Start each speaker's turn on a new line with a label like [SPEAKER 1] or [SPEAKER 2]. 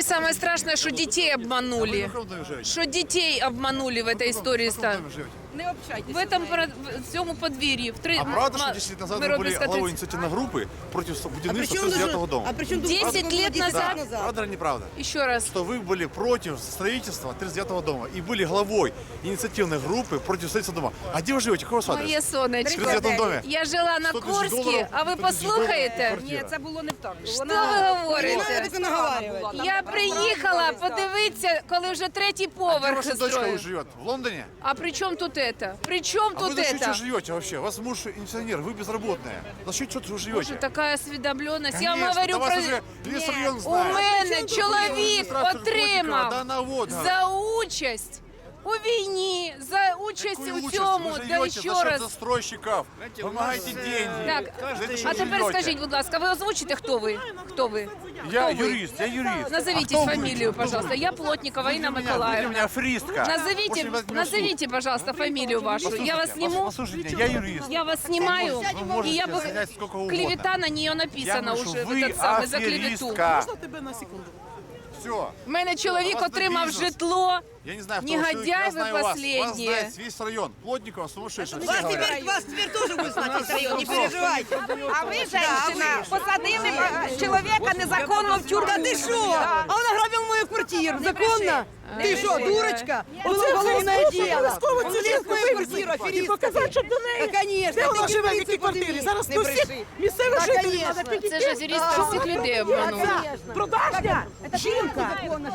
[SPEAKER 1] самое страшное, что детей обманули. Что детей обманули в этой истории.
[SPEAKER 2] Не общайтесь.
[SPEAKER 1] В этом в цьому подвір'ї.
[SPEAKER 3] А правда, что 10 лет назад вы были главой инициативной группы против будівництва 39-го дома?
[SPEAKER 1] 10 лет назад?
[SPEAKER 3] Правда или неправда?
[SPEAKER 1] Еще раз.
[SPEAKER 3] Что вы были против строительства 39-го дома и были главой инициативной группы против строительства дома. А где вы живете? Какой у вас адрес?
[SPEAKER 1] Моє
[SPEAKER 3] В
[SPEAKER 1] сонечко.
[SPEAKER 3] 39-му доме?
[SPEAKER 1] Я жила на
[SPEAKER 3] 100 тисяч
[SPEAKER 1] Курській,
[SPEAKER 3] доларів,
[SPEAKER 1] а ви
[SPEAKER 3] 100 тисяч доларів
[SPEAKER 1] послухаєте?
[SPEAKER 3] квартира.
[SPEAKER 2] Ні, це було не так.
[SPEAKER 1] Що ви говорите? Я приїхала подивитися, коли вже третій
[SPEAKER 3] А где
[SPEAKER 1] поверх
[SPEAKER 3] ваша дочка
[SPEAKER 1] строю.
[SPEAKER 3] живет? В Лондоне?
[SPEAKER 1] А при чем тут это? При чем
[SPEAKER 3] А вы
[SPEAKER 1] тут
[SPEAKER 3] за счет чего
[SPEAKER 1] это?
[SPEAKER 3] живете вообще? У вас муж инженер, вы безработная. За счет чего вы живете?
[SPEAKER 1] Боже, такая осведомленность. Я вам
[SPEAKER 3] Конечно,
[SPEAKER 1] говорю
[SPEAKER 3] да вас
[SPEAKER 1] про...
[SPEAKER 3] уже весь район
[SPEAKER 1] У
[SPEAKER 3] знает.
[SPEAKER 1] мене чоловік
[SPEAKER 3] Адміністрацію
[SPEAKER 1] отримав
[SPEAKER 3] Кутика, да, вот,
[SPEAKER 1] за участь у війні, за участь
[SPEAKER 3] Какую
[SPEAKER 1] у
[SPEAKER 3] участь?
[SPEAKER 1] цьому,
[SPEAKER 3] Вы
[SPEAKER 1] да
[SPEAKER 3] живете
[SPEAKER 1] ще
[SPEAKER 3] за счет
[SPEAKER 1] раз.
[SPEAKER 3] застройщиков. Помогайте деньги.
[SPEAKER 1] Так,
[SPEAKER 3] За это что
[SPEAKER 1] а тепер
[SPEAKER 3] живете?
[SPEAKER 1] скажіть, будь ласка, ви озвучите, хто ви? Хто ви?
[SPEAKER 3] Я
[SPEAKER 1] Кто вы?
[SPEAKER 3] юрист, я юрист.
[SPEAKER 1] Назовите
[SPEAKER 3] А кто вы?
[SPEAKER 1] фамилию,
[SPEAKER 3] Кто вы?
[SPEAKER 1] пожалуйста. Я Плотникова Инна
[SPEAKER 3] Вы для
[SPEAKER 1] Николаевна.
[SPEAKER 3] меня аферистка.
[SPEAKER 1] Назовите,
[SPEAKER 3] Очень возьму суд.
[SPEAKER 1] назовите, пожалуйста, фамилию вашу. Я вас сниму.
[SPEAKER 3] Послушайте, я юрист.
[SPEAKER 1] Я вас снимаю,
[SPEAKER 3] Вы можете
[SPEAKER 1] и я бы...
[SPEAKER 3] снять сколько угодно.
[SPEAKER 1] Клевета на нее
[SPEAKER 3] Я
[SPEAKER 1] написана
[SPEAKER 3] говорю,
[SPEAKER 1] уже,
[SPEAKER 3] что
[SPEAKER 1] в
[SPEAKER 3] вы
[SPEAKER 1] этот самый, за клевету.
[SPEAKER 3] аферистка.
[SPEAKER 2] Тебе на секунду.
[SPEAKER 3] Все.
[SPEAKER 1] У мене чоловік
[SPEAKER 3] У вас
[SPEAKER 1] отримав
[SPEAKER 3] бізнес.
[SPEAKER 1] житло.
[SPEAKER 3] Я не знаю, кто
[SPEAKER 1] Негодяй
[SPEAKER 3] вы, я
[SPEAKER 1] вы
[SPEAKER 3] знаю вас. Вас
[SPEAKER 1] последние.
[SPEAKER 3] знает весь район. Плотникова сумасшедший. Все говорят.
[SPEAKER 4] Вас теперь тоже будет знать весь район, не переживайте.
[SPEAKER 2] А ви, женщина, посадили чоловіка незаконно в тюрму.
[SPEAKER 4] Да ты что? А он ограбил мою квартиру, законно? Ты что, дурочка? Было уголовное дело. Он влез в мою квартиру, аферистка.
[SPEAKER 5] Показати, щоб до неї.
[SPEAKER 4] Да, конечно.
[SPEAKER 5] Де вона
[SPEAKER 4] ты
[SPEAKER 5] живе, в
[SPEAKER 4] не
[SPEAKER 5] якій квартирі?
[SPEAKER 4] подними.
[SPEAKER 5] Зараз
[SPEAKER 4] Не
[SPEAKER 5] до всіх
[SPEAKER 4] бреши.
[SPEAKER 5] місцевих
[SPEAKER 4] Да,
[SPEAKER 5] жителів
[SPEAKER 4] конечно.
[SPEAKER 5] треба підійти.
[SPEAKER 1] Це ж аферистка всіх людей обманула.
[SPEAKER 5] Продажня жінка.